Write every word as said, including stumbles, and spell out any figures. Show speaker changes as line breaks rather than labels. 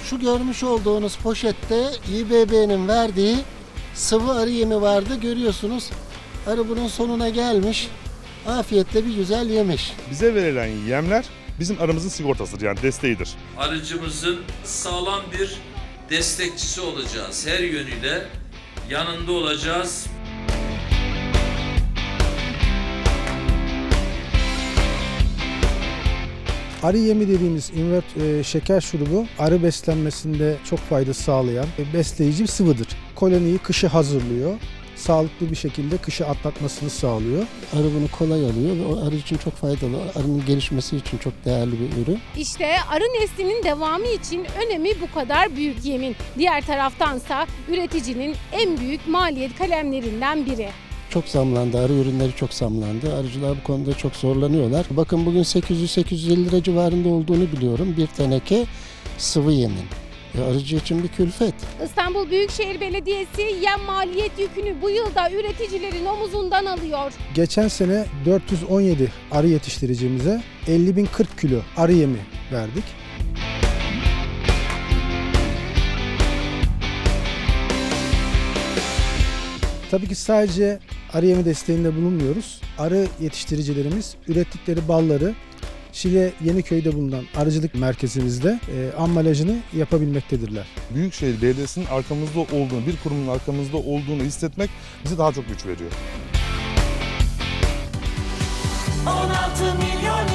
Şu görmüş olduğunuz poşette İ B B'nin verdiği sıvı arı yemi vardı. Görüyorsunuz. Arı bunun sonuna gelmiş. Afiyetle bir güzel yemiş.
Bize verilen yemler bizim arımızın sigortasıdır, yani desteğidir.
Arıcımızın sağlam bir destekçisi olacağız. Her yönüyle yanında olacağız.
Arı yemi dediğimiz invert e, şeker şurubu arı beslenmesinde çok fayda sağlayan e, besleyici bir sıvıdır. Koloniyi kışı hazırlıyor. Sağlıklı bir şekilde kışı atlatmasını sağlıyor.
Arı bunu kolay alıyor ve o arı için çok faydalı. Arının gelişmesi için çok değerli bir ürün.
İşte arı neslinin devamı için önemi bu kadar büyük yemin. Diğer taraftansa üreticinin en büyük maliyet kalemlerinden biri.
Çok zamlandı, arı ürünleri çok zamlandı. Arıcılar bu konuda çok zorlanıyorlar. Bakın bugün sekiz yüz sekiz yüz elli lira civarında olduğunu biliyorum. Bir teneke sıvı yemin. E, arıcı için bir külfet.
İstanbul Büyükşehir Belediyesi yem maliyet yükünü bu yılda üreticilerin omuzundan alıyor.
Geçen sene dört yüz on yedi arı yetiştiricimize elli bin kırk kilo arı yemi verdik. Tabii ki sadece arı yemi desteğinde bulunmuyoruz. Arı yetiştiricilerimiz ürettikleri balları Şile Yeniköy'de bulunan arıcılık merkezimizde e, ambalajını yapabilmektedirler.
Büyükşehir Belediyesi'nin arkamızda olduğunu, bir kurumun arkamızda olduğunu hissetmek bize daha çok güç veriyor.
on altı milyon